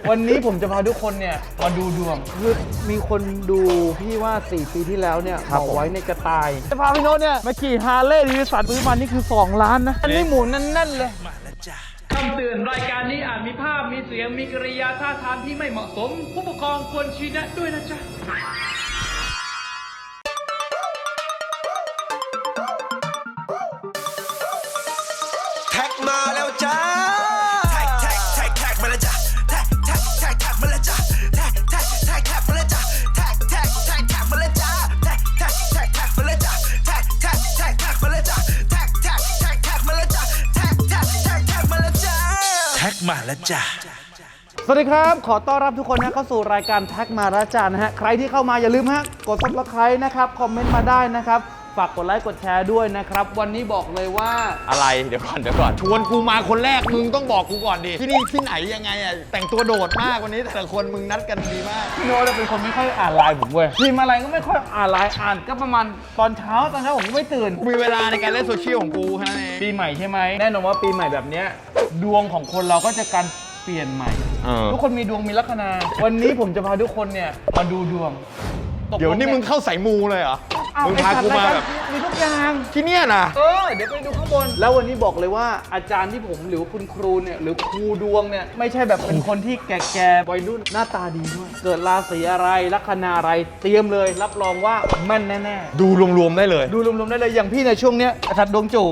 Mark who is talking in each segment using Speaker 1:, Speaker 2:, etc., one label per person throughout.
Speaker 1: วันนี้ผมจะพาทุกคนเนี่ยมาดูดวงคือมีคนดูพี่ว่า4 ปีที่แล้วเนี่ยบอกไว้ในกระต่ายจะพาพี่โน้ตเนี่ยมาขี่ฮาร์เลย์ดิวิสันซื้อมานี่คือ2 ล้านนะอันนี้หมุนแน่นๆเลยคำเตือนรายการนี้อาจมีภาพมีเสียงมีกริยาท่าทางที่ไม่เหมาะสมผู้ปกครองควรชี้แนะด้วยนะจ๊ะ
Speaker 2: แท็กมาแล้วจ้าแท็กมาแล้วจ้าแท็กมาแล้วจ้าแท็กมาแล้วจ้าแท็กมาแล้วจ้าแท็กมาแล้วจ้าแท็กมาแล้วจ้าแท็กมาแล้วจ้าแท็กมาแล้วจ้าแท็กมาแล้วจ้า
Speaker 1: สวัสดีครับขอต้อนรับทุกคนนะเข้าสู่รายการแท็กมาราจานะฮะใครที่เข้ามาอย่าลืมฮะกด Subscribe นะครับคอมเมนต์มาได้นะครับฝากกดไลค์กดแชร์ด้วยนะครับวันนี้บอกเลยว่า
Speaker 3: อะไรเดี๋ยวก่อนชวนกูมาคนแรกมึงต้องบอกกูก่อนดิที่นี่ที่ไหนยังไงอ่ะแต่งตัวโดดมากวันนี้แต่ละคนมึงนัดกันดีมาก
Speaker 1: พี่โน้ตเป็นคนไม่ค่อยอ่านไลน์ผมเว้ยพิมพ์อะไรก็ไม่ค่อยอ่านไลน์อ่านก็ประมาณตอนเช้าผมก็ไม่ตื่น
Speaker 3: กูมีเวลาในการเล่นโซเชียลของกูแค่นั้นเอง
Speaker 1: ปีใหม่ใช่ไหมแน่นอนว่าปีใหม่แบบเนี้ยดวงของคนเราก็จะการเปลี่ยนใหม่ทุกคนมีดวงมีลัคนาวันนี้ผมจะพาทุกคนเนี่ยมาดูดวง
Speaker 3: เดี๋ยวนี่มึงเข้าสายมูเลยเหรอมึงพากูมาแบบ
Speaker 1: มีทุกอย่าง
Speaker 3: ที่เนี่ยนะ
Speaker 1: เดี๋ยวไปดูข้างบนแล้ววันนี้บอกเลยว่าอาจารย์ที่ผมหรือคุณครูเนี่ยหรือครูดวงเนี่ยไม่ใช่แบบเป็นคนที่แก่ๆวัยรุ่นหน้าตาดีด้วยเกิดราศีอะไรลัคนาอะไรเตรียมเลยรับรองว่าแม่นแน่
Speaker 3: ๆดูรวมๆได้เลย
Speaker 1: ดูรวมๆได้เลยอย่างพี่ในช่วงเนี้ยอาจารย์ดวงโจ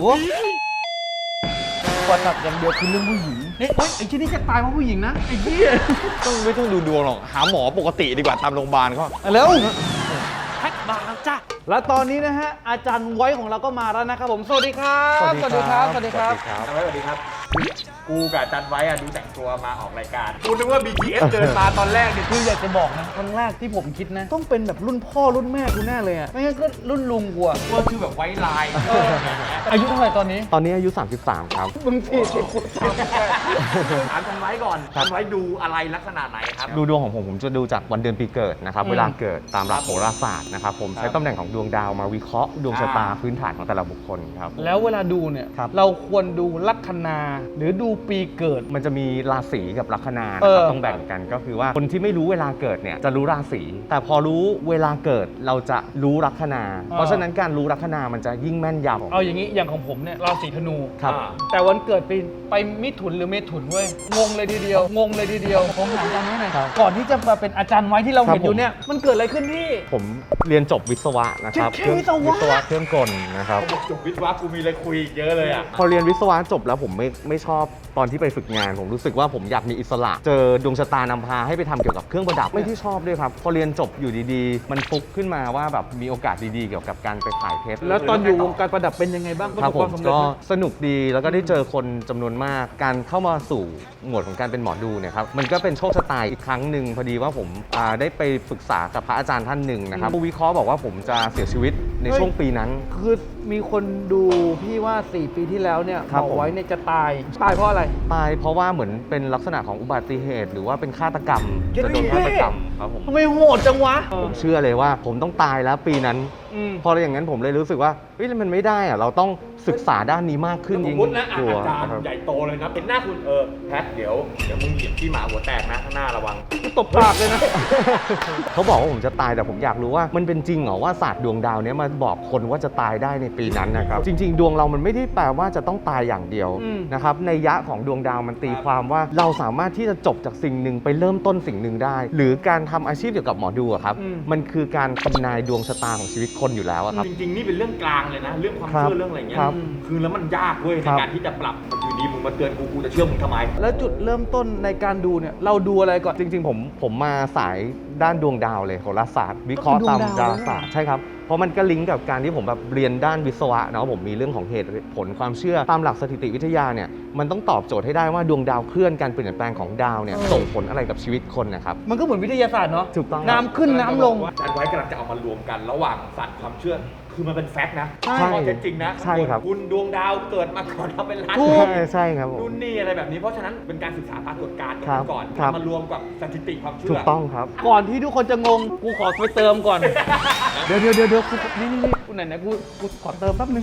Speaker 1: ปัญหาอย่างเดียวคือเรื่องผู้หญิงเนี่ยไอ้ที่นี่จะตายเพราะผู้หญิงนะไอ้เหี้ย
Speaker 3: ไม่ต้องดูดวงหรอกหาหมอปกติดีกว่าตามโรงพยาบาลเขา
Speaker 1: แล้วแท็กมาแล้วจ้ะแล้วตอนนี้นะฮะอาจารย์ไว้ของเราก็มาแล้วนะครับผมสวัสดีครับสวัสดีครับสวัสดีครับ
Speaker 3: สวัสดีครับกูกับอาจารย์ไว้ดูแต่งตัวมาออกรายการกูนึกว่า BTS เดินมาตอนแรกเนี่ย
Speaker 1: คืออยากจะบอกนะครั้งแรกที่ผมคิดนะต้องเป็นแบบรุ่นพ่อรุ่นแม่กูแน่เลยอ่ะไม่งั้นก็รุ่นลุงกูอ่ะ
Speaker 3: ก็คือแบบไว้ลาย
Speaker 1: อายุเท่าไหร่ตอนนี้
Speaker 4: อายุ33ครับ
Speaker 1: มึง40กู
Speaker 3: ถามอาจารย์ไว้ก่อนอาจารย์ไว้ดูอะไรลักษณะไหนครับ
Speaker 4: ดูดวงของผมจะดูจากวันเดือนปีเกิดนะครับเวลาเกิดตามหลักโหราศาสตร์นะครับผมใช้ตำแหน่งของดวงดาวมาวิเคราะห์ดวงชะตาพื้นฐานของแต่ละบุคคลครับ
Speaker 1: แล้วเวลาดูเนี่ยเราควรดูลัคนาหรือดูปีเกิด
Speaker 4: มันจะมีราศีกับลัคนานะครับต้องแบ่งกันก็คือว่าคนที่ไม่รู้เวลาเกิดเนี่ยจะรู้ราศีแต่พอรู้เวลาเกิดเราจะรู้ลัคนาเพราะฉะนั้นการรู้ลัคนามันจะยิ่งแม่นยำ
Speaker 1: เอาอย่างนี้อย่างของผมเนี่ยราศีธนู
Speaker 4: ครับ
Speaker 1: แต่วันเกิดไปมิถุนหรือเมถุนเว้ยงงเลยทีเดียวผมถามอาจารย์ไว้หน่อยก่อนที่จะมาเป็นอาจารย์ไว้ที่เราเห็นอยู่เนี่ยมันเกิดอะไรขึ้นพี่
Speaker 4: ผมเรียนจบวิศวะนะครับ
Speaker 1: วิศวะ
Speaker 4: เครื่องกลนะครับ
Speaker 3: จบวิศวะกูมีอะไรคุยเยอะเลยอ่ะ
Speaker 4: พอเรียนวิศวะจบแล้วผมไม่ชอบตอนที่ไปฝึกงานผมรู้สึกว่าผมอยากมีอิสระเจอดวงชะตานำพาให้ไปทำเกี่ยวกับเครื่องประดับไม่ที่ชอบด้วยครับพอเรียนจบอยู่ดีๆมันฟุกขึ้นมาว่าแบบมีโอกาสดีๆเกี่ยวกับการไปขายเพชร
Speaker 1: แล้วตอนอยู่วงการประดับเป็นยังไงบ้าง
Speaker 4: ครับผมก็สนุกดีแล้วก็ได้เจอคนจำนวนมากการเข้ามาสู่หมวดของการเป็นหมอดูเนี่ยครับมันก็เป็นโชคชะตาอีกครั้งหนึ่งพอดีว่าผมได้ไปปรึกษากับพระอาจารย์ท่านหนึ่งนะครับผู้วิเคราะห์บอกว่าผมจะเสียชีวิตในช่วงปีนั้น
Speaker 1: คือมีคนดูพี่ว่า4 ปีที่แล้วเนี่ยบอกไว้เนี่ยจะตายเพราะอะไร
Speaker 4: ตายเพราะว่าเหมือนเป็นลักษณะของอุบัติเหตุหรือว่าเป็นฆาตกรรมจะโดนฆาตกรรมครับผม
Speaker 1: ทำไมโหดจังวะ
Speaker 4: ผมเชื่อเลยว่าผมต้องตายแล้วปีนั้นพออย่างนั้นผมเลยรู้สึกว่าเฮ้ยมันไม่ได้อะเราต้องศึกษาด้านนี้มากขึ้นยิ่ง
Speaker 3: กลัวอาจารย์ใหญ่โตเลยนะเป็นหน้าคุณแพทเดี๋ยวมึงเหยียบที่หมาหัวแตกนะข้างหน้าระวัง
Speaker 1: ตบปากเลยนะ
Speaker 4: เขาบอกว่าผมจะตายแต่ผมอยากรู้ว่ามันเป็นจริงเหรอว่าศาสตร์ดวงดาวนี้มาบอกคนว่าจะตายได้ในปีนั้นนะครับจริงๆดวงเรามันไม่ได้แปลว่าจะต้องตายอย่างเดียวนะครับในยะของดวงดาวมันตีความว่าเราสามารถที่จะจบจากสิ่งหนึ่งไปเริ่มต้นสิ่งหนึ่งได้หรือการทำอาชีพเกี่ยวกับหมอดูครับมันคือการทำนายดวงชะตาของชีวิตคนอยู่แล้วครับ
Speaker 3: จริงๆนี่เป็นเรื่องกลางเลยนะเรื่องความเชื่อเรื่องอะไรเงี้ยคือแล้วมันยากเว้ยในการที่จะปรับอยู่ดีมึงมาเตือนกูจะเชื่อมึงทำไม
Speaker 1: แล้วจุดเริ่มต้นในการดูเนี่ยเราดูอะไรก่อน
Speaker 4: จริงๆผมมาสายด้านดวงดาวเลยโหราศาสตร์วิเคราะห์ตามดาราศาสตร์ใช่ครับเพราะมันก็ลิงก์กับการที่ผมแบบเรียนด้านวิศวะเนาะผมมีเรื่องของเหตุผลความเชื่อตามหลักสถิติวิทยาเนี่ยมันต้องตอบโจทย์ให้ได้ว่าดวงดาวเคลื่อนการเปลี่ยนแปลงของดาวเนี่ยส่งผลอะไรกับชีวิตคนนะครับ
Speaker 1: มันก็เหมือนวิทยาศาสตร์เนาะ
Speaker 4: ถูกต้อง
Speaker 1: น้ำขึ้นน้ำลง
Speaker 3: อาจารย์ไว้กำลังจะเอามารวมกันระหว่างศาสตร์ความเชื่อคือมันเป็นแฟกต์นะ
Speaker 4: ใช่
Speaker 3: จริงนะ
Speaker 4: ใช่ครับ
Speaker 3: คุณดวงดาวเกิดมาก่อนทำเป็นล้าน
Speaker 4: ใช่ครับ
Speaker 3: รุ่นนี่อะไรแบบนี้เพราะฉะนั้นเป็นการศึกษาปรากฏการณ์ก่อนมารวมกับสถิติความเชื่อ
Speaker 4: ถูกต้องครับ
Speaker 1: ก่อนที่ทุกคนจะงงกูขอไปเติมก่อนเดี๋ยวนี่กูไหนกูขอเติมแป๊บนึง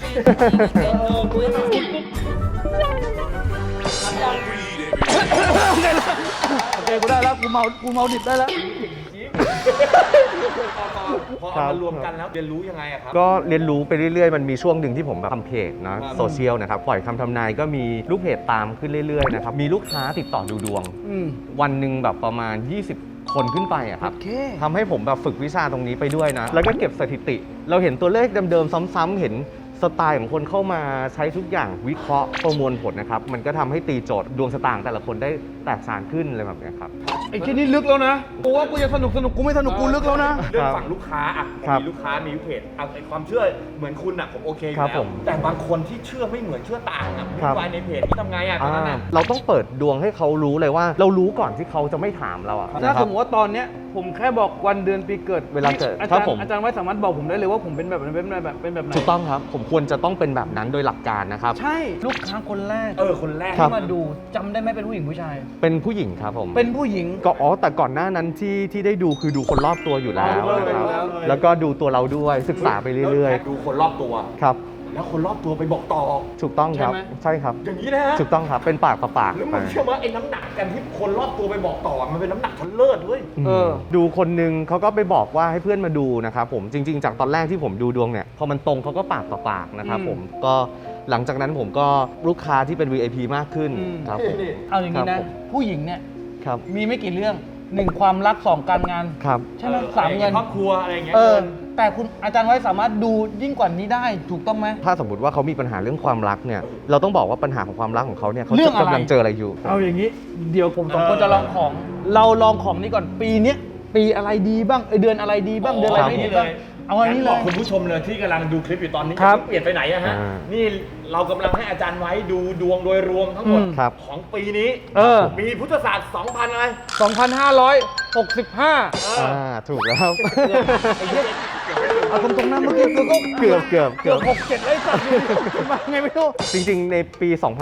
Speaker 1: โอเคกูได้แล้วกูเมาดิบได้แล้ว
Speaker 3: พอเอามารวมกันแล้วเรียนรู้ยังไงอะครับ
Speaker 4: ก็เรียนรู้ไปเรื่อยๆ มันมีช่วงหนึ่งที่ผมแบบทำเพจนะโซเชียลนะครับปล่อยคำทำนายก็มีลูกเพจตามขึ้นเรื่อยๆนะครับมีลูกค้าติดต่อดูดวง วันหนึ่งแบบประมาณ 20 คนขึ้นไปอะครับ
Speaker 1: โอเค
Speaker 4: ทำให้ผมแบบฝึกวิชาตรงนี้ไปด้วยนะ แล้วก็เก็บสถิติ เราเห็นตัวเลขเดิมๆซ้ำๆเห็นสไตล์ของคนเข้ามาใช้ทุกอย่างวิเคราะห์ประมวลผลนะครับมันก็ทำให้ตีโจทย์ดวงชะตาของแต่ละคนได้แตกต่างขึ้นอะไรแบบเนี้ยครับ
Speaker 1: ไอ้ที่นี่ลึกแล้วนะกูว่ากูจะสนุกกูไม่สนุกกูลึกแล้วนะ
Speaker 3: เรื่องฝั่งลูกค้าอ่ะ
Speaker 4: ครับ
Speaker 3: มีลูกค้ามีเพจเอาไอ้ความเชื่อเหมือนคุณอ่ะผมโอเคอยู่
Speaker 4: ครับ
Speaker 3: แล้
Speaker 4: ผ
Speaker 3: ว
Speaker 4: ม
Speaker 3: แต่บางคนที่เชื่อไม่เหมือนเชื่อต่างอ่ะ
Speaker 4: ครับ
Speaker 3: วุ่นวายในเพจนี่ทำไงอ่ะตอนนั้นอ่ะ
Speaker 4: เราต้องเปิดดวงให้เขารู้เลยว่า เรารู้ก่อนที่เขาจะไม่ถามเราอะ
Speaker 1: ถ้า
Speaker 4: นะค
Speaker 1: ส
Speaker 4: รั
Speaker 1: ม
Speaker 4: บ
Speaker 1: มติว่าตอนเนี้ยผมแค่บอกวันเดือนปีเกิด
Speaker 4: เวลาเกิด
Speaker 1: อา
Speaker 4: ครั
Speaker 1: จาร
Speaker 4: บผม
Speaker 1: ย์อาจารย์ไว้สามารถบอกผมได้เลยว่าผมเป็นแบบไหนเป็นแบบไหน
Speaker 4: ถูกต้องครับ ผมควรจะต้องเป็นแบบนั้นโดยหลักการนะครับ
Speaker 1: ใช่ลูกค้าคนแรก
Speaker 3: คนแรก
Speaker 4: ครับ
Speaker 1: ที่มาดูจำได้ไหมเป็นผู้หญิงผู้ชาย
Speaker 4: เป็นผู้หญิงครับผม
Speaker 1: เป็นผู้หญิง
Speaker 4: ก็แต่ก่อนหน้านั้นที่ได้ดูคือดูคนรอบตัวอยู่แล้ว
Speaker 1: อ๋อ
Speaker 4: นะครับ
Speaker 1: ดูแล้ว
Speaker 4: แล้วก็ดูตัวเราด้วยศึกษาไปเรื่อย
Speaker 3: ดูคนรอบตัว
Speaker 4: ๆครับ
Speaker 3: แล้วคนรอบตัวไปบอกต่อ
Speaker 4: ถูกต้องครับ
Speaker 1: ใช่ไหม
Speaker 4: ใช่ครับ
Speaker 3: อย่างนี้นะฮะ
Speaker 4: ถูกต้องครับเป็นปากต่อปาก
Speaker 3: แล้ว
Speaker 4: ไป
Speaker 3: มึงเชื่อว่าไอ้น้ำหนักกันที่คนรอบตัวไปบอกต่อมันเป็นน้ำหนักชั้นเลิศเว้ย
Speaker 4: ดูคนนึงเขาก็ไปบอกว่าให้เพื่อนมาดูนะครับผมจริง ๆ จากตอนแรกที่ผมดูดวงเนี่ยพอมันตรงเขาก็ปากต่อปากนะครับผมก็หลังจากนั้นผมก็ลูกค้าที่เป็น VIP มากขึ้นครับผม
Speaker 1: เอาอย่างนี้
Speaker 4: ครั
Speaker 1: นะ
Speaker 4: บผม
Speaker 1: ผู้หญิงเนี่ย
Speaker 4: ครับ
Speaker 1: มีไม่กี่เรื่องหนึ่งความรักสองการงาน
Speaker 4: ครับ
Speaker 1: ใช่ไหมสามเงิน
Speaker 3: ครอบครัวอะไรอย่างเงี้ย
Speaker 1: แต่คุณอาจารย์ไว้สามารถดูยิ่งกว่านี้ได้ถูกต้องไหม
Speaker 4: ถ้าสมมติว่าเขามีปัญหาเรื่องความรักเนี่ยเราต้องบอกว่าปัญหาของความรักของเขาเนี่ยเขา
Speaker 1: เรื่
Speaker 4: จะ
Speaker 1: องอะไร
Speaker 4: กำลังเจออะไรอยู่
Speaker 1: เอาอย่างนี้ เดี๋ยวผมสองคนจะลองของ เราลองของนี้ก่อนปีเนี้ยปีอะไรดีบ้างเดือนอะไรดีบ้างเดือนอะไรไม่ดีบ้างเอาอันนี้เล
Speaker 3: บอ
Speaker 1: ย
Speaker 3: กคุณผู้ชมเลยที่กำลังดูคลิปอยู่ตอนนี้
Speaker 1: ครับ
Speaker 3: จะเปลี่ยนไปไหนอะฮะ
Speaker 4: อ่า
Speaker 3: นี่เรากำลังให้อาจารย์ไว้ดูดวงโดยรวมทั้งหมด
Speaker 4: ครับ
Speaker 3: ของปีนี้ มีพุทธศาสตร์2,000อะไร
Speaker 1: 2,565
Speaker 4: ถูกแล้ว
Speaker 1: เอาตรงๆนะเมื่อกี้กูก็
Speaker 4: เกือบ
Speaker 1: เกือบ6-7ไอ้สัตว์มาไงไม่รู้
Speaker 4: จริงๆ ในปี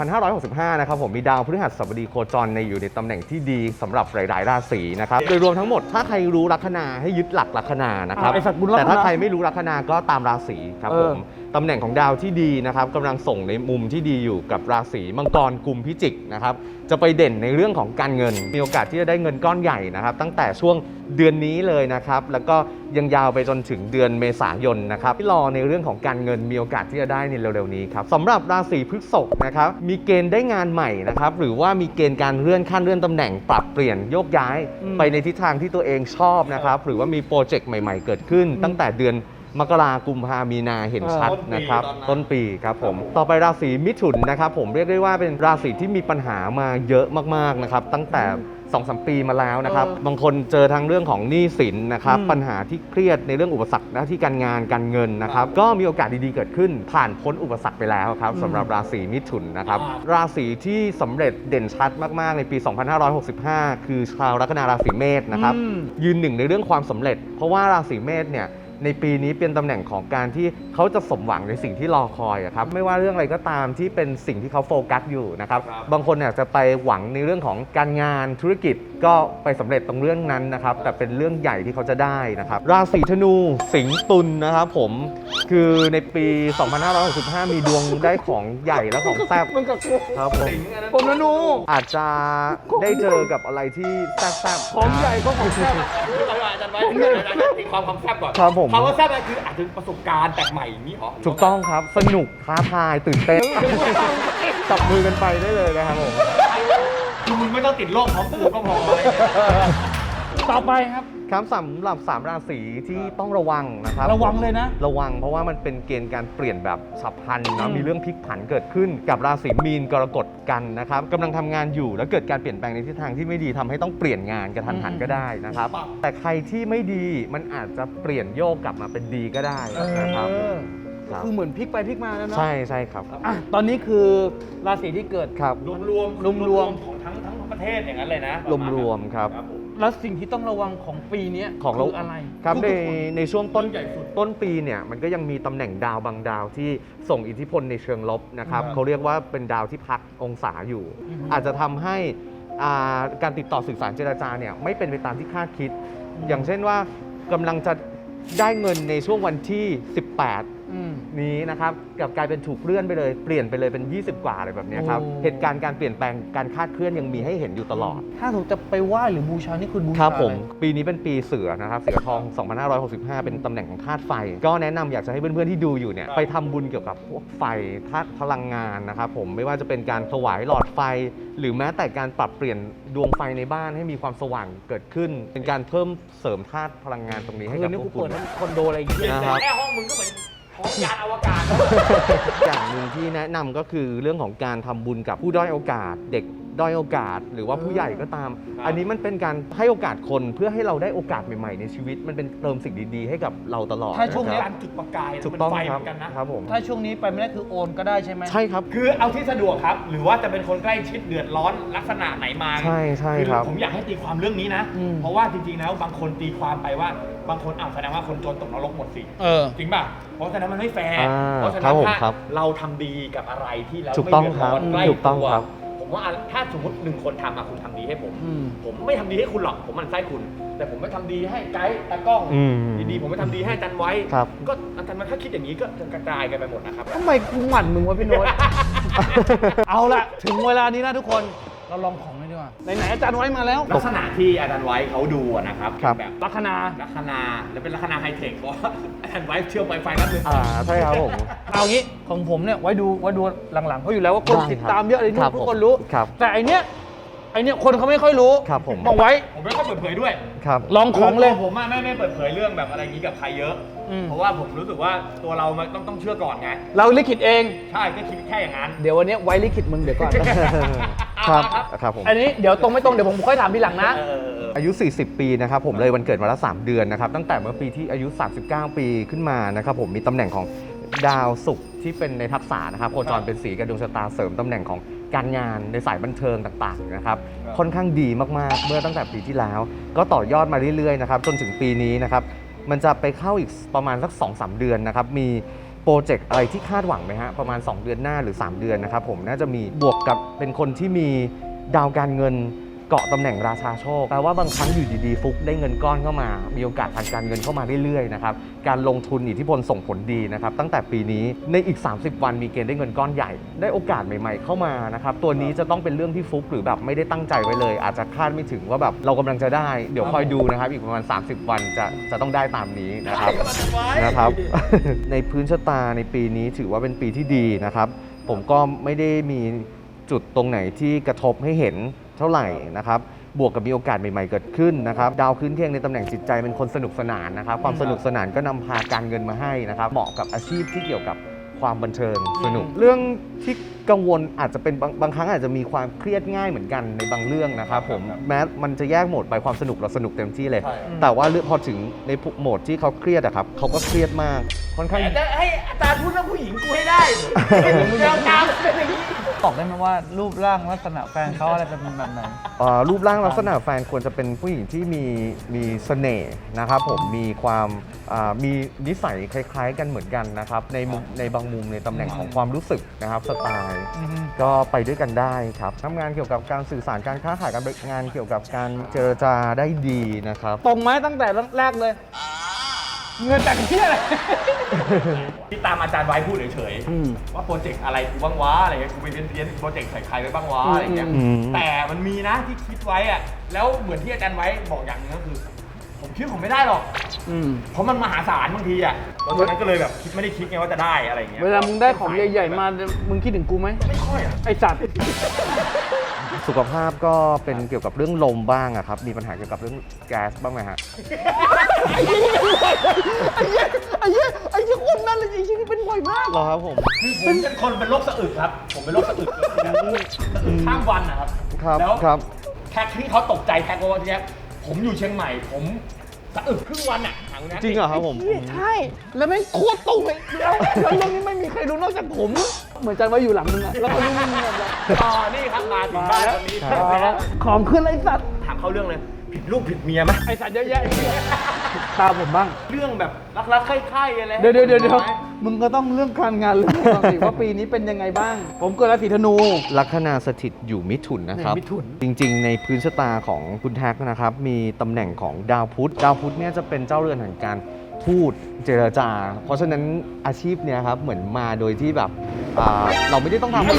Speaker 4: 2565 นะครับผมมีดาวพฤหัสบดีโคจรในอยู่ในตำแหน่งที่ดีสำหรับหลายๆราศีนะครับโดยรวมทั้งหมดถ้าใครรู้ลัคนาให้ยึดหลักลัคนานะครับ
Speaker 1: ไอ้สัตว์บุญลัคนา
Speaker 4: แต่ถ้าใครไม่รู้ลัคนาก็ตามราศีครับผมตำแหน่งของดาวที่ดีนะครับกำลังส่งในมุมที่ดีอยู่กับราศีมังกรกุมพิจิกนะครับจะไปเด่นในเรื่องของการเงินมีโอกาสที่จะได้เงินก้อนใหญ่นะครับตั้งแต่ช่วงเดือนนี้เลยนะครับแล้วก็ยังยาวไปจนถึงเดือนเมษายนนะครับที่รอในเรื่องของการเงินมีโอกาสที่จะได้ในเร็วๆนี้ครับสำหรับราศีพฤษภนะครับมีเกณฑ์ได้งานใหม่นะครับหรือว่ามีเกณฑ์การเลื่อนขั้นเลื่อนตำแหน่งปรับเปลี่ยนโยกย้ายไปในทิศทางที่ตัวเองชอบนะครับหรือว่ามีโปรเจกต์ใหม่ๆเกิดขึ้น ตั้งแต่เดือนมกรากุมภามีนาเห็นชัดนะครับต้นปีครับผมต่อไปราศีมิถุนนะครับผมเรียกได้ว่าเป็นราศีที่มีปัญหามาเยอะมากๆนะครับตั้งแต่ 2-3 ปีมาแล้วนะครับบางคนเจอทั้งเรื่องของหนี้สินนะครับปัญหาที่เครียดในเรื่องอุปสรรคหน้าที่การงานการเงินนะครับก็มีโอกาสดีๆเกิดขึ้นผ่านพ้นอุปสรรคไปแล้วครับสำหรับราศีมิถุนนะครับราศีที่สำเร็จเด่นชัดมากๆในปี 2565 คือชาวลัคนาราศีเมษนะครับยืนหนึ่งในเรื่องความสำเร็จ เพราะว่าราศีเมษเนี่ยในปีนี้เป็นตำแหน่งของการที่เขาจะสมหวังในสิ่งที่รอคอยอะครับไม่ว่าเรื่องอะไรก็ตามที่เป็นสิ่งที่เขาโฟกัสอยู่นะครับบางคนเนี่ยจะไปหวังในเรื่องของการงานธุรกิจก็ไปสำเร็จตรงเรื่องนั้นนะครับแต่เป็นเรื่องใหญ่ที่เขาจะได้นะครับราศีธนูสิงห์ตุลนะครับผมคือในปี 2565 มีดวงได้ของใหญ่และของแซ่บ
Speaker 1: มึงกับกู
Speaker 4: ครับผม
Speaker 1: ผมนะหนู
Speaker 4: อาจจะได้เจอกับอะไรที่แซ่บๆ
Speaker 1: ของใหญ่ก็ของแซ่บ
Speaker 3: อาจารย์ไว้ตีความแซ่บก่อน
Speaker 4: ครับผม
Speaker 3: คำว่าแซ่บคืออาจจะประสบการณ์แปลกใหม่อย่างนี้หรอ
Speaker 4: ถูกต้องครับสนุกท้าทายตื่นเต้นจับมือกันไปได้เลยนะครับผม
Speaker 3: คือมึงไม่ต้องติดโรคพร้อมกูก็พออะไรเนี่ย
Speaker 1: ต่อไปครับ
Speaker 4: ครับสำหรับ3ราศีที่ต้องระวังนะครับ
Speaker 1: ระวังเลยนะ
Speaker 4: ระวังเพราะว่ามันเป็นเกณฑ์การเปลี่ยนแบบฉับพลัน
Speaker 1: อื
Speaker 4: นะ
Speaker 1: ม
Speaker 4: มีเรื่องพลิกผันเกิดขึ้นกับราศีมีนกรกฎกันนะครับกำลังทำงานอยู่แล้วเกิดการเปลี่ยนแปลงในทิศทางที่ไม่ดีทำให้ต้องเปลี่ยนงานกระทันหันก็ได้นะครับแต่ใครที่ไม่ดีมันอาจจะเปลี่ยนโยกกลับมาเป็นดีก็ได้นะครับ ครับ
Speaker 1: คือเหมือนพลิกไปพลิกมาแล้วเนาะ
Speaker 4: ใช่ใช่ครับ
Speaker 1: อ่ะตอนนี้คือราศีที่เกิด
Speaker 4: ครับ
Speaker 3: รวมๆของทั้งประเทศอย่างนั้นเลยนะ
Speaker 4: รวมๆครับ
Speaker 3: ผม
Speaker 1: แล้วสิ่งที่ต้องระวังของปีเนี้ย
Speaker 4: ของเรา
Speaker 1: คืออะไร
Speaker 4: ครับ
Speaker 1: ทุก
Speaker 4: ใน
Speaker 1: ๆคน
Speaker 4: ในช่วงต้น
Speaker 3: ใหญ่สุด
Speaker 4: ต้นปีเนี่ยมันก็ยังมีตำแหน่งดาวบางดาวที่ส่งอิทธิพลในเชิงลบนะครับ
Speaker 3: ครับ
Speaker 4: เขาเรียกว่าเป็นดาวที่พักองศาอยู่ อาจจะทำให้การติดต่อสื่อสารเจรจาเนี่ยไม่เป็นไปตามที่คาดคิด อย่างเช่นว่ากำลังจะได้เงินในช่วงวันที่ 18
Speaker 1: ม
Speaker 4: นี้นะครับกลับกลายเป็นถูกเลื่อนไปเลยเปลี่ยนไปเลยเป็น 20 กว่าอะไรแบบเนี้ยครับ
Speaker 1: โอ้
Speaker 4: เหตุการณ์การเปลี่ยนแปลงการคาดเคลื่อนยังมีให้เห็นอยู่ตลอด
Speaker 1: ถ้าถูกจะไปไหว้หรือบูชานี่คุณบู
Speaker 4: ค
Speaker 1: ชา
Speaker 4: รับผม
Speaker 1: อะไร
Speaker 4: ปีนี้เป็นปีเสือนะครับเสือทอง 2565 เป็นตำแหน่งของธาตุไฟ ก็แนะนำอยากจะให้เพื่อนๆที่ดูอยู่เนี่ยไปทำบุญเกี่ยวกับพวกไฟธาตุพลังงานนะครับผมไม่ว่าจะเป็นการถวายหลอดไฟ หรือแม้แต่การปรับเปลี่ยนดวงไฟในบ้านให้มีความสว่างเกิดขึ้น เป็นการเพิ่มเสริมธาตุพลังงานตรงนี้ให้
Speaker 1: คื
Speaker 4: กับ
Speaker 1: อนี่
Speaker 4: พ
Speaker 1: กู
Speaker 4: วกคุ
Speaker 1: เปิด
Speaker 4: ณ
Speaker 1: คอนโดอะไรอย่างเงี้ย
Speaker 4: นะครับ
Speaker 3: แค่ห้องมึงก็เหมือนห้องยานอวกาศ
Speaker 4: อย่างหนึ่งที่แนะนำก็คือเรื่องของการทำบุญกับผู้ด้อยโอกาส เด็กด้อยโอกาส หรือว่าผู้ใหญ่ก็ตาม อันนี้มันเป็นการให้โอกาสคนเพื่อให้เราได้โอกาสใหม่ๆในชีวิต มันเป็นเติมสิ่งดีๆให้กับเราตลอด
Speaker 1: ถ้าช่วงเนี้ย
Speaker 4: นะค
Speaker 3: การ
Speaker 4: รับ
Speaker 3: จุดประกาย
Speaker 4: ถูกต้อง
Speaker 3: มันไฟ
Speaker 4: ค
Speaker 3: เห
Speaker 4: รับ
Speaker 3: มือนกันนะ
Speaker 4: ครับผม
Speaker 1: ถ้าช่วงนี้ไปไม่ได้คือโอนก็ได้ใช่ไหม
Speaker 4: ใช่ครับ
Speaker 3: คือเอาที่สะดวกครับ หรือว่าจะเป็นคนใกล้ชิดเดือดร้อนลักษณะไหนมา
Speaker 4: ใช่ใช่ครับ
Speaker 3: ผมอยากให้ตีความเรื่องนี้นะ
Speaker 1: อืม
Speaker 3: เพราะว่าจริงๆแล้วบางคนตีความไปว่าบางคนแสดงว่าคนจนตกนรกหมดสิ จริงป่ะ เพราะฉะนั้นมันไม่แฟร์
Speaker 4: อ่า
Speaker 3: เพราะฉะ
Speaker 4: ครั
Speaker 3: นั้
Speaker 4: บ
Speaker 3: น
Speaker 4: ผม
Speaker 3: ถ้า
Speaker 4: ครับ
Speaker 3: เราทำดีกับอะไรที่เรา
Speaker 4: ถูก
Speaker 3: ไม่
Speaker 4: ต้อง
Speaker 3: เดือดร้อน
Speaker 4: ครับ
Speaker 3: ใกล้
Speaker 4: ถูกต้อง
Speaker 3: ตัว
Speaker 4: ครับ
Speaker 3: ผมว่าถ้าสมมติ1 คนทำคุณทำดีให้ผม
Speaker 1: อืม
Speaker 3: ผมไม่ทำดีให้คุณหรอกผมหมันไส้คุณ แต่ผมไม่ทำดีให้ไกด์ตากล้อง
Speaker 4: อืม
Speaker 3: ดีๆผมไม่ทำดีให้อาจันไว้
Speaker 4: ครับ
Speaker 3: ก็อาจารย์มันถ้าคิดอย่างนี้ก็จะกระจายกันไปหมดนะครับ
Speaker 1: ทำไมกูหมั่นมึงวะพี่โน้ต เอาละถึงเวลานี้นะทุกคนเราลองของเลยดีกว่าไหนๆอาจารย์ไว้มาแล้ว
Speaker 3: ลักษณะที่อาจารย์ไว้เขาดูอะนะครับ
Speaker 4: ครับ
Speaker 3: แบบ
Speaker 1: ลัคนา
Speaker 3: ลัคนาและเป็นลัคนาไฮเทคเพราะว่าอาจารย์ไว้เชื่อมไวไฟนั่นเลย
Speaker 4: ใช่ครับผม
Speaker 1: เอางี้ของผมเนี่ยไว้ดูหลังๆเพราะอยู่แล้วว่าคน
Speaker 4: ได้ครับ
Speaker 1: ติดตามเยอะเลย
Speaker 4: ครับ
Speaker 1: ทุกคนรู้
Speaker 4: ครับ
Speaker 1: แต่ไอเนี้ยคนเขาไม่ค่อยรู้
Speaker 4: ครับผม
Speaker 1: บอกไว้
Speaker 3: ผมไม่ค่อยเปิดเผยด้วย
Speaker 4: ครับ
Speaker 1: ลองของเลย
Speaker 3: ผมอะไม่เปิดเผยเรื่องแบบอะไรอย่างนี้กับใครเยอะ
Speaker 1: อืม
Speaker 3: เพราะว่าผมรู้สึกว่าตัวเรามันต้องเชื่อก่อนไง
Speaker 1: เราลิขิตเอง
Speaker 3: ใช่ก็คิดแค่อย่างนั้น
Speaker 1: เดี๋ยววันนี้ไว้ลิขิตมึงเดี๋ยวก่อน
Speaker 4: ครับครับผม
Speaker 1: อันนี้เดี๋ยวตรงไม่ตรงเดี๋ยวผมค่อยถามทีหลังนะ
Speaker 4: อายุ 40 ปีนะครับผมเลยวันเกิดมาละ3 เดือนนะครับตั้งแต่เมื่อปีที่อายุ 39 ปีขึ้นมานะครับผมมีตำแหน่งของดาวศุกร์ที่เป็นในทักษะนะครับโคจรเป็นสีกับดวงชะตาเสริมตำแหน่งของการงานในสายบันเทิงต่างๆนะครับค่อนข้างดีมากๆเมื่อตั้งแต่ปีที่แล้ว ก็ต่อยอดมาเรื่อยๆนะครับจนถึงปีนี้นะครับมันจะไปเข้าอีกประมาณสัก 2-3 เดือนนะครับมีโปรเจกต์อะไรที่คาดหวังไหมฮะประมาณ 2 เดือนหน้าหรือ 3 เดือนนะครับผมน่าจะมีบวกกับเป็นคนที่มีดาวการเงินเกาะตำแหน่งราชาโชคแปลว่าบางครั้งอยู่ดีๆฟุกได้เงินก้อนเข้ามามีโอกาสทางการเงินเข้ามาเรื่อยๆนะครับการลงทุนอิทธิพลส่งผลดีนะครับตั้งแต่ปีนี้ในอีก 30 วันมีเกณฑ์ได้เงินก้อนใหญ่ได้โอกาสใหม่ๆเข้ามานะครับตัวนี้จะต้องเป็นเรื่องที่ฟุกหรือแบบไม่ได้ตั้งใจไว้เลย อาจจะคาดไม่ถึงว่าแบบเรากำลังจะได้เดี๋ยวคอยดูนะครับอีกประมาณ 30 วันจะต้องได้ตามนี้นะครับ นะครับ ในพื้นชะตาในปีนี้ถือว่าเป็นปีที่ดีนะครับ ผมก็ไม่ได้มีจุดตรงไหนที่กระทบให้เห็นเท่าไหร่นะครับ บวกกับมีโอกาสใหม่ๆเกิดขึ้นนะครับ ดาวคืนเที่ยงในตำแหน่งจิตใจเป็นคนสนุกสนานนะครับ ความสนุกสนานก็นำพาการเงินมาให้นะครับ เหมาะกับอาชีพที่เกี่ยวกับความบันเทิงสนุก เรื่องที่กังวลอาจจะเป็นบางครั้งอาจจะมีความเครียดง่ายเหมือนกันในบางเรื่องนะครับผมแม้มันจะแยกโหมดไปความสนุกเราสนุกเต็มที่เลย แต่ว่าพอถึงในโหมดที่เขาเครียดอะครับเขาก็เครียดมากค่อนข้าง
Speaker 3: แต่จะให้อาจารย์พูดเรื่องผู้หญิงกูให้ได้แนวตามเป็นอย่างนี้
Speaker 1: บอกได้ไหมว่ารูปร่างลักษณะแฟนเขาอะไรเป็นแบบไหน
Speaker 4: รูปร่างลักษณะแฟนควรจะเป็นผู้หญิงที่มีเสน่ห์นะครับผมมีความมีนิสัยคล้ายๆกันเหมือนกันนะครับในบางมุมในตำแหน่งของความรู้สึกนะครับสไตล์ก็ไปด้วยกันได้ครับทำงานเกี่ยวกับการสื่อสารการค้าขายการงานเกี่ยวกับการเจรจาได้ดีนะครับ
Speaker 1: ตรงไหมตั้งแต่แรกเลย เงินแต่งที่อะไร
Speaker 3: ที่ตามอาจารย์ไว้พูดเฉย
Speaker 1: อืม
Speaker 3: ๆว่าโปรเจกต์อะไรกูบ้างวะอะไรเงี้ยกูไปเพี้ยนๆโปรเจกต์ใส่ใครไปบ้างวะอะไรเงี้ย
Speaker 4: อืม
Speaker 3: แต่มันมีนะที่คิดไว้อะแล้วเหมือนที่อาจารย์ไว้บอกอย่างหนึงก็คือ ผมคิดผมไม่ได้หรอก
Speaker 1: อืม
Speaker 3: เพราะมันมหาศาลบางทีอ่ะเพราะฉะนั้นก็เลยแบบไม่ได้คิดไงว่าจะได้อะไรอย่างเงี้ย
Speaker 1: เวลามึงได้ของใหญ่ๆมา มึงคิดถึงกูไหม
Speaker 3: ไม่ค่อยอ่ะ
Speaker 1: ไอสัตว์
Speaker 4: สุขภาพก็เป็นเกี่ยวกับเรื่องลมบ้างอะครับมีปัญหาเกี่ยวกับเรื่องแก๊สบ้างไหมฮะ
Speaker 1: ไอ้เหี้ยคนนั้นเลยไอ้เหี้ยนี่เป็นบ่อยมาก
Speaker 4: เหรอครับผม
Speaker 3: คือผมเป็นคนเป็นโรคสะอึกครับ ผมเป็นโรคสะอึกสะอึกข้ามวันนะครับ
Speaker 4: ครับ
Speaker 3: แล้ว
Speaker 4: ครับ
Speaker 3: แท็กที่เขาตกใจแท็กว่าทีเนี้ยผมอยู่เชียงใหม่ ผมสะอึกครึ่งวันอ่ะถามคุณนะ
Speaker 4: จริงเหรอครับผม
Speaker 1: ใช่ แล้วไม่งโคตรตรงเลยแล้วเรื่องนี้ไม่มีใครรู้นอกจากผม เหมือนจันว่าอยู่หลังมึงอะแล้วก็รู้มึงแบบ
Speaker 3: อ๋อนี่ครับมาถึงบ้านวันนี้
Speaker 1: ของขึ้นไอ้สัตว์
Speaker 3: ถามเขาเรื่องเลยผิดลูกผิดเมียไหม
Speaker 1: ไอ้สัตว์เยอะแยะไอ้เหี้ยตามผมบ้าง
Speaker 3: เรื่องแบบรักๆใคร่ๆอะไร
Speaker 1: เดี๋ยวมึงก็ต้องเรื่องการงานเรื่องความสิว่าปีนี้เป็นยังไงบ้าง ผมเกิดราศีธนู
Speaker 4: ลัคนาสถิตอยู่มิถุนนะครับ
Speaker 1: มิถุน
Speaker 4: จริงๆ ในพื้นชะตาของคุณแท็กนะครับ มีตำแหน่งของดาวพุธ ดาวพุธเนี่ยจะเป็นเจ้าเรือนแห่งการพูดเจรจา เพราะฉะนั้นอาชีพเนี้ยครับเหมือนมาโดยที่แบบเราไม่ได้ต้องทำอะไร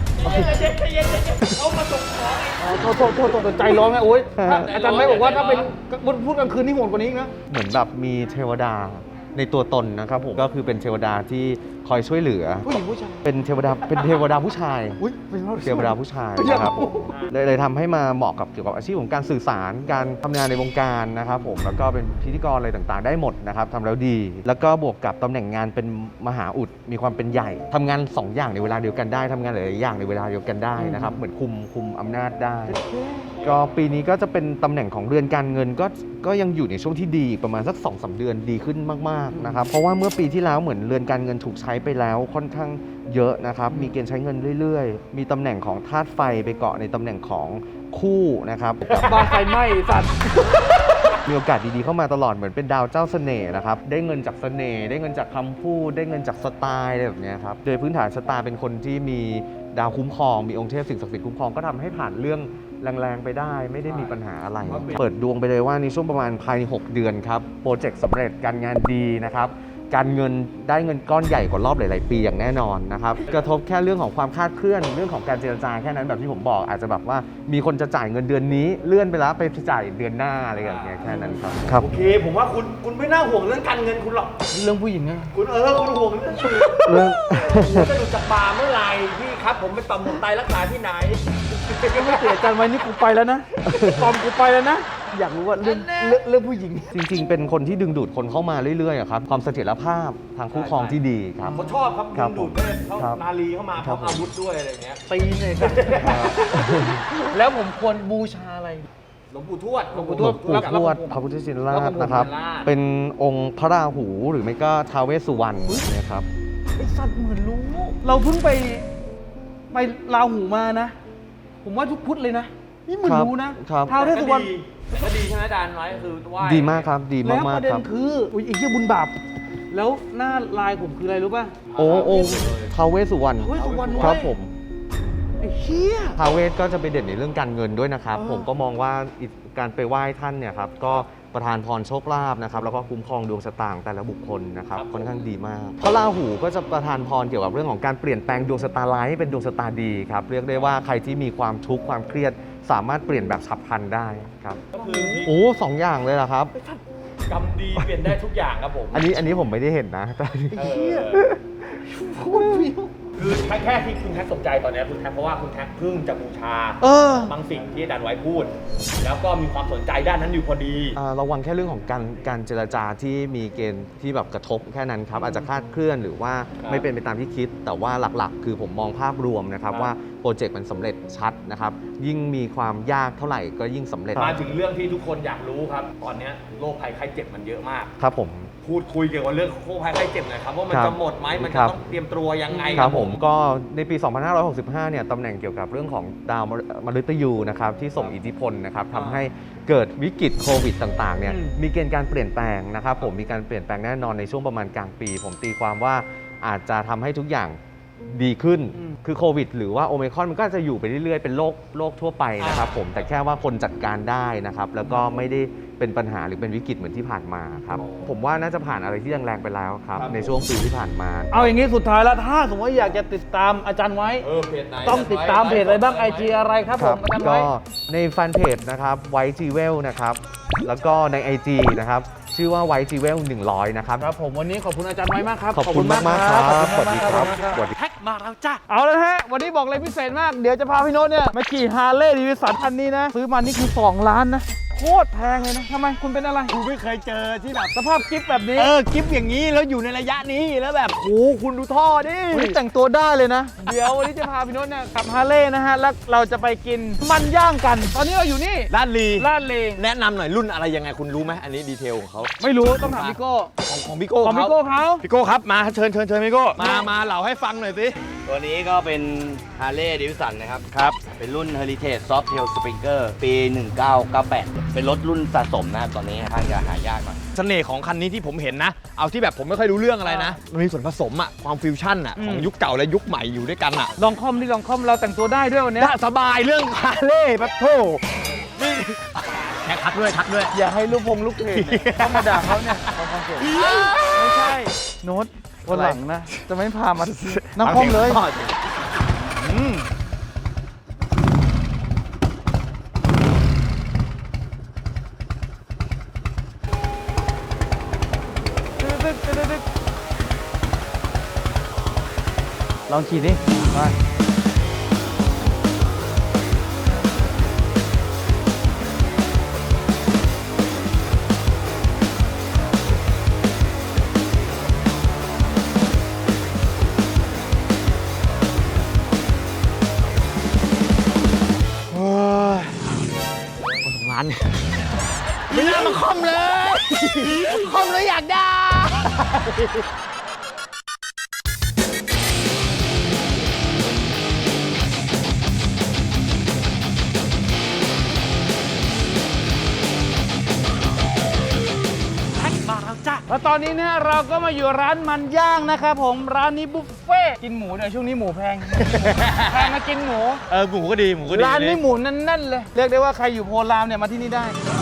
Speaker 1: โทษใจร้อนไงโอ๊ยอาจารย์ไม่บอกว่าถ้าเป็นพูดกลางคืนนี่โหดกว่านี้อีกนะ
Speaker 4: เหมือนแบบมีเทวดาในตัวตนนะครับผมก็คือเป็นเทวดาที่คอยช่วยเหลือ
Speaker 1: ผู้หญิงผู้ชาย
Speaker 4: เป็นเทวดาผู้ชาย
Speaker 1: อุ้ยเป็น
Speaker 4: เทวดาผู้ชายนะครับผมเลยทำให้มาเหมาะกับเกี่ยวกับอาชีพของการสื่อสารการทำงานในวงการนะครับผมแล้วก็เป็นพิธีกรอะไรต่างๆ ได้หมดนะครับทำแล้วดี แล้วก็บวกกับตำแหน่งงานเป็นมหาอุดมีความเป็นใหญ่ทำงาน2อย่างในเวลาเดียวกันได้ทำงานหลายๆอย่างในเวลาเดียวกันได้นะครับเหมือนคุมอำนาจได้ ก็ปีนี้ก็จะเป็นตำแหน่งของเรือนการเงินก็ยังอยู่ในช่วงที่ดีประมาณสัก 2-3 เดือนดีขึ้นมากๆนะครับเพราะว่าเมื่อปีที่แล้วเหมือนเรือนการเงินถูกใช้ไปแล้วค่อนข้างเยอะนะครับมีเกณฑ์ใช้เงินเรื่อยๆมีตำแหน่งของธาตุไฟไปเกาะในตำแหน่งของคู่นะครับ
Speaker 1: บ้านไฟไหม้สัตว์
Speaker 4: มีโอกาสดีๆเข้ามาตลอดเหมือนเป็นดาวเจ้าเสน่ห์นะครับได้เงินจากเสน่ห์ได้เงินจากคำพูดได้เงินจากสไตล์อะไรแบบเนี้ยครับโดยพื้นฐานชะตาเป็นคนที่มีดาวคุ้มครองมีองค์เทพสิ่งศักดิ์สิทธิ์คุ้มครองก็ทำให้ผ่านเรื่องแรงๆไปได้ไม่ได้มีปัญหาอะไร เปิดดวงไปเลยว่าในช่วงประมาณภายใน6เดือนครับโปรเจกต์สำเร็จการงานดีนะครับการเงินได้เงินก้อนใหญ่กว่ารอบหลายๆปีอย่างแน่นอนนะครับกระทบแค่เรื่องของความคลาดเคลื่อนเรื่องของการเจรจาแค่นั้นแบบที่ผมบอกอาจจะแบบว่ามีคนจะจ่ายเงินเดือนนี้เลื่อนไปแล้วไปจ่ายเดือนหน้าอะไรอย่างเงี้ยแค่นั้นครับ
Speaker 3: โอเค ผมว่าคุณไม่น่าห่วงเรื่องการเงินคุณหรอก
Speaker 1: เรื่องผู้หญิงนะ
Speaker 3: คุณคุณห่วงเรื่อง
Speaker 4: เรื่อง
Speaker 3: ผมจะดูจากบาร์เมื่อไหร่พี่ครับผมเป็นต่อมหมวกไตรักษาที่ไหน
Speaker 1: ไม่เสียใจไว้นี่กูไปแล้วนะตอมกูไปแล้วนะอยากรู้ว่าเรื่องผู้หญิง
Speaker 4: จริงๆ เป็นคนที่ดึงดูดคนเข้ามาเรื่อยๆอะครับความเสถียรภาพทางคู่ครองที่ดีครับ
Speaker 3: เขาชอบครับ
Speaker 4: ครับ
Speaker 3: ดึงดูดด้วยเขา
Speaker 4: ครับ
Speaker 3: นาลีเข้ามาพ
Speaker 4: ครั
Speaker 3: ร้อบ มอาวุธด้วยอะไรเงี้ย
Speaker 1: ตีนเลยครับ แล้วผมควรบูชาอะไร
Speaker 3: หลวงปู่ทวด
Speaker 1: หลวงปู่
Speaker 4: หลวงปู่ทวดพระพุทธชินราชนะครับ เป็นองค์พระราหูหรือไม่ก็ท้าวเวสสุวรรณนะครับ
Speaker 1: ไอสัตว์เหมือนรู้ เราเพิ่งไปลาหูมานะ ผมว่าทุกพุธเลยนะ นี่เหมือนรู้นะครับ ท้าวเวสสุวรรณ
Speaker 3: ก็ดีใช่ไหมอาจารย์ไว้คือไหว้
Speaker 4: ดีมากครับดี
Speaker 1: แล้ว
Speaker 4: มา
Speaker 1: ป
Speaker 4: ก
Speaker 1: ระเด็
Speaker 4: ๆคน รับ
Speaker 1: คืออุ้ยไอ้เหี้ยบุญบาปแล้วหน้าลายผมคืออะไรรู้ป่ะ
Speaker 4: โอ้ท้าวเวสสุวรรณ
Speaker 1: ท้าวเวสสุวรรณ
Speaker 4: ครับ
Speaker 1: เว้ย
Speaker 4: ผม
Speaker 1: ไอ้เหี้ย
Speaker 4: ท้าวเวสก็จะไปเด่นในเรื่องการเงินด้วยนะครับ ผมก็มองว่าการไปไหว้ท่านเนี่ยครับก็ประทานพรโชคลาภนะครับแล้วก็คุ้มครองดวงชะตาของแต่ละบุคคลนะครับค่อนข้างดีมากพระราหูก็จะประทานพรเกี่ยวกับเรื่องของการเปลี่ยนแปลงดวงชะตาร้ายให้เป็นดวงชะตาดีครับเรียกได้ว่าใครที่มีความทุกข์ความเครียดสามารถเปลี่ยนแบบฉับพลันได้ครับ
Speaker 3: ก็คือ
Speaker 4: โอ้สองอย่างเลยเหรอครับ
Speaker 3: กรรมดีเปลี่ยนได้ทุกอย่างครับผม
Speaker 4: อันนี้ผมไม่ได้เห็นนะแต่
Speaker 1: โคตรฟิว
Speaker 3: คือแค่ที่คุณแท็กสนใจตอนนี้คุณแท็กเพราะว่าคุณแท็กเพิ่งจะบูชา บางสิ่งที่อาจารย์ไว้พูด แล้วก็มีความสนใจด้านนั้นอยู่พอดี
Speaker 4: ระวังแค่เรื่องของการเจรจาที่มีเกณฑ์ที่แบบกระทบแค่นั้นครับอาจจะคลาดเคลื่อนหรือว่า
Speaker 3: ครับ
Speaker 4: ไม่เป็นไปตามที่คิด แต่ว่าหลักๆ คือผมมองภาพรวมนะครับ
Speaker 3: ครับ
Speaker 4: ว่าโปรเจกต์มันสำเร็จชัดนะครับยิ่งมีความยากเท่าไหร่ก็ยิ่งสำเร็จ
Speaker 3: มาถึงเรื่องที่ทุกคนอยากรู้ครับ ตอนนี้โรคภัยไข้เจ็บมันเยอะมาก
Speaker 4: ครับผม
Speaker 3: พูดคุยเกี่ยวกับเรื่องโรคภัยไข้เจ็บหน่อยครับว่ามัน
Speaker 4: ครับ
Speaker 3: จะหมดไหมมัน
Speaker 4: ค
Speaker 3: จะ
Speaker 4: รับ
Speaker 3: ต้องเตรียมตัวยังไง
Speaker 4: ครับผมก็ในปี 2565 เนี่ยตำแหน่งเกี่ยวกับเรื่องของดาวมฤตยูนะครับที่ส่งอิทธิพลนะครับทำให้เกิดวิกฤตโควิดต่างๆเนี่ยมีเกณฑ์การเปลี่ยนแปลงนะครับผมมีการเปลี่ยนแปลงแน่นอนในช่วงประมาณกลางปี ผมตีความว่าอาจจะทำให้ทุกอย่างดีขึ้นคือโควิดหรือว่าโอมิครอนมันก็จะอยู่ไปเรื่อยๆเป็นโรคทั่วไปนะครับผมแต่แค่ว่าคนจัดการได้นะครับแล้วก็ไม่ได้เป็นปัญหาหรือเป็นวิกฤตเหมือนที่ผ่านมาครับผมว่าน่าจะผ่านอะไรที่แรงๆไปแล้วครับในช่วงปีที่ผ่านมา
Speaker 1: เอาอย่างนี้สุดท้ายแล้วถ้าสมมติว่าอยากจะติดตามอาจารย์ไว้
Speaker 3: เพจไหน
Speaker 1: ต้องติดตามเพจอะไรบ้าง IG อะไรครับผมอาจารย์ไว้
Speaker 4: ก็ในแฟนเพจนะครับไวจีเวลนะครับแล้วก็ใน IG นะครับชื่อว่าไวจีเวล100นะครับ
Speaker 1: ครับผมวันนี้ขอบคุณอาจารย์ไว้มากครับ
Speaker 4: ขอบคุณมากๆครับสวัสดีครับสวัสดี
Speaker 3: แท็กมาแล้วจ้า
Speaker 1: เอาเลยฮะวันนี้บอกเลยพิเศษมากเดี๋ยวจะพาพี่โน้ตเนี่ยมาขี่ฮาร์เลย์ดีวิสันคันนี้นะซื้อมานี่คือ2 ล้านนะโคตรแพงเลยนะทำไมคุณเป็นอะไร
Speaker 3: กูไม่เคยเจอที่แบบ
Speaker 1: สภาพกิฟต์แบบนี้
Speaker 3: กิฟอย่างนี้แล้วอยู่ในระยะนี้แล้วแบบโอ้คุณดูท่อดิ
Speaker 1: วันนี้แต่งตัวได้เลยนะ เดี๋ยววันนี้จะพาพี่โน้ตเนี่ยขับฮาร์เลย์นะฮะแล้วเราจะไปกินมันย่างกัน ตอนนี้เราอยู่นี่
Speaker 3: ด้านลี
Speaker 1: ลาดเล
Speaker 3: แนะนำหน่อยรุ่นอะไรยังไงคุณรู้ไหมอันนี้ดีเทลของเขา
Speaker 1: ไม่รู้ต้องถามพี่โก้
Speaker 3: ของพี่โก้
Speaker 1: ของพี่โก้เขา
Speaker 3: พี่โก้ครับมาเชิญพี่โก้มาเหล่าให้ฟังหน่อยสิ
Speaker 5: ตัวนี้ก็เป็น Harley Davidson นะครับ เป็นรุ่น Heritage Softail Springer ปี 1998 เป็นรถรุ่นสะสมนะครับตอนนี้ค่อนข้างจะหายากหน่อย
Speaker 3: เสน่ห์ของคันนี้ที่ผมเห็นนะ เอาที่แบบผมไม่ค่อยรู้เรื่องอะไรนะ มันมีส่วนผสมอะความฟิวชั่นอะของยุคเก่าและยุคใหม่อยู่ด้วยกันอะ
Speaker 1: ลองคอมเราแต่งตัวได้ด้วยวันเนี้ย
Speaker 3: ถ้าสบายเรื่องคาร์เล่ปัทโทนี่แท็กทักด้วยทักด้วย
Speaker 1: อย่าให้ลูกเพจเนี่ยเข้ามาด่าเขาเนี่ยตอนคอนเสิร์ตไม่ใช่โน้ตวันหลังนะ จะไม่พามาหน้าห้องเลย ลองขี่ดิมาร้านไม่น่ามาคอมเลยคอมเลยอยากได้ แล้วตอนนี้เนี่ยเราก็มาอยู่ร้านมันย่างนะครับผมร้านนี้บุฟเฟ่กินหมูเดี๋ยวช่วงนี้หมูแพง แพงมากินหมู
Speaker 3: หมูก็ดีหมูก็ดี
Speaker 1: ร้านนี้หมูแน่นๆเลยเรียกได้ว่าใครอยู่โพลามเนี่ยมาที่นี่ได้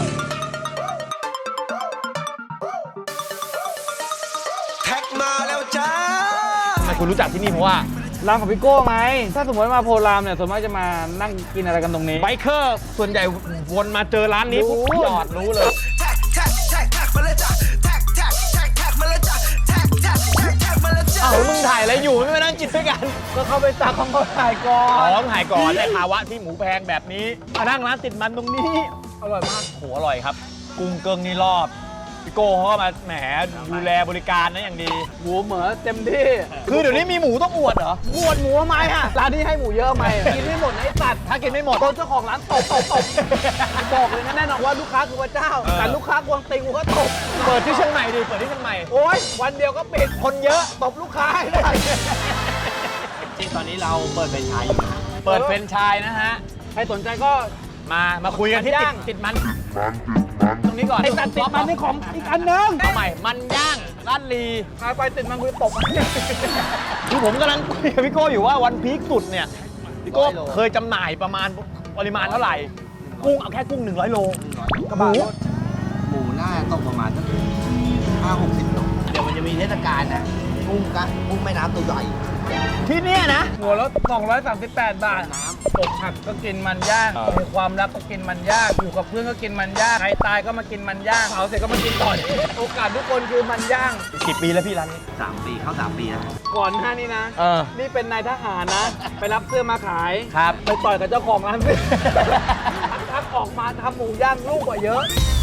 Speaker 2: แท็กมาแล้วจ้า
Speaker 3: ทำไมคุณรู้จักที่นี่เพราะว่า
Speaker 1: ร้านของพี่โก้ไงถ้าสมมติมาโพลามเนี่ยส่วนมากจะมานั่งกินอะไรกันตรงนี้
Speaker 3: ไบเกอร์ส่วนใหญ่วนมาเจอร้านนี้ปุ๊บจอดรู้เลย
Speaker 2: แท็กแท็กแท็กแท็กมาแล้วจ้าแท็กแท็กแท็กแท็กมาแล้วจ้าแท็กแท็กแท็กแท็กมาแล้วจ้า
Speaker 3: อ้าวมึงถ่ายอะไรอยู่ไม่มานั่งกินด้วยกัน
Speaker 1: ก็เข้าไปตักของเขาถ่ายก่อ
Speaker 3: อ๋อน ถ่ายก่อนในภาวะที่หมูแพงแบบนี้มานั่งร้านติดมันตรงนี้
Speaker 1: อร่อยมาก
Speaker 3: โหอร่อยครับ กุ้งเกิงนี่รอบพี่โก้เขาก็มาแหมดูแลบริการนะอย่างดี
Speaker 1: หมูเหมือเต็มที่
Speaker 3: คือเดี๋ยวนี้มีหมูต้องอวดเหรอ
Speaker 1: หมวดหมูทำไมอะร้านนี้ให้หมูเยอะไหมกินไม่หมดนะไอ้สัตว์
Speaker 3: ถ้ากินไม่หมด
Speaker 1: โดนเจ้าของร้านตบบอกเลยนะแน่นอนว่าลูกค้าคือพระเจ้า แต่ลูกค้ากวงติงกูก็ตบ
Speaker 3: เปิดที่เชียงใหม่ดิเปิดที่เชียงใหม่
Speaker 1: โอ๊ยวันเดียวก็ปิด
Speaker 3: คนเยอะ
Speaker 1: ตบลูกค้าให้ได้
Speaker 5: จริงตอนนี้เราเปิดเป็นชายอยู่นะ
Speaker 3: เปิดเฟรนไชส์นะฮะ
Speaker 1: ใครสนใจก็
Speaker 3: มาคุยกันที่
Speaker 1: มันย่าง
Speaker 3: ติดมันตรงนี้ก่อน
Speaker 1: ไอ้สัตว์ติดมันนี่ของอีกอันนึง
Speaker 3: เอาใหม่มันย่างร้านลี
Speaker 1: พาไปติดมันกูจะตบ
Speaker 3: คือผมกำลังคุยกับพี่โก้อยู่ว่าวันพีคสุดเนี่ยพี่โก้เคยจำหน่ายประมาณปริมาณเท่าไหร่ กุ้งเอาแค่กุ้ง100 โล
Speaker 1: กระบะรถ
Speaker 5: หมูน่าจะตกประมาณสัก50 โลเดี๋ยวมันจะมีเทศกาลนะกุ้งแม่น้ำตัวใหญ่
Speaker 3: ที่เนี่ยนะ
Speaker 1: หัวรถ238 บาทอกหักก็กินมันย่างมีความรักก็กินมันย่างอยู่กับเพื่อนก็กินมันย่างใครตายก็มากินมันย่างเผาเสร็จก็มากินต่อโอกาสทุกคนคือมันย่าง
Speaker 3: กี่ปีแล้วพี่ร้านนี้
Speaker 5: 3 ปีเข้า 3 ปีแล้ว
Speaker 1: ก่อนหน้านี้นะ นี่เป็นนายทหารนะ ไปรับเสื้อมาขาย
Speaker 3: ครับ
Speaker 1: ไปต่อยกับเจ้าของร้านเสื้อทักออกมาทำหมูย่างลูกกว่าเยอะ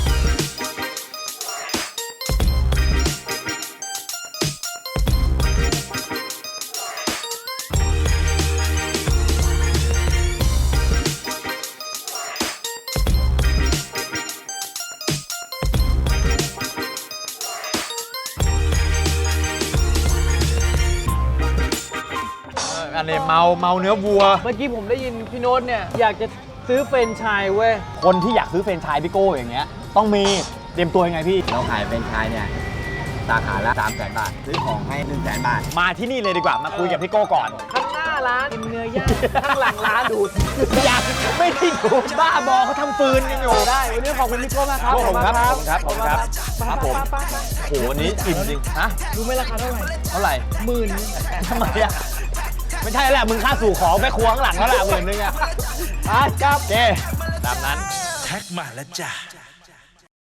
Speaker 3: อันนี้เมาเนื้อวัว
Speaker 1: เมื่อกี้ผมได้ยินพี่โน้ตเนี่ยอยากจะซื้อเฟรนไชส์เว้ย
Speaker 3: คนที่อยากซื้อเฟรนไชส์พี่โก้อย่างเงี้ยต้องมีเตรียมตัวยังไงพี่
Speaker 5: เราขายเป็นชายเนี่ยสาขาละ300,000 บาท ซื้อของให้ 100,000 บาท
Speaker 3: มาที่นี่เลยดีกว่ามาคุยกับพี่โก้ก่อน
Speaker 1: ข้างหน้าร้านกินเนื้อย่างข้างหลังร้านดูด
Speaker 3: อยากไม่ได้ดูบ้าบอเขาทำฟืนกันอยู่
Speaker 1: ได้วันนี้ขอบคุณพี่โก้มากครับ
Speaker 3: ขอบคุณครับ
Speaker 1: ขอบคุณครับ
Speaker 3: ครับผม
Speaker 1: ไป
Speaker 3: โหวันนี้อิ่มจริงฮะ
Speaker 1: รู้ไหมราคาเท่าไหร่
Speaker 3: เท่าไหร่
Speaker 1: 10,000
Speaker 3: ทำไมอ่ะไม่ใช่แหละมึงค่าสู่ของแม่ครัวข้างหลังแล้วแหละ10,000อ่ะ
Speaker 1: ครับ
Speaker 3: โอเคตามนั้น
Speaker 2: แท็กมาแล้วจ้า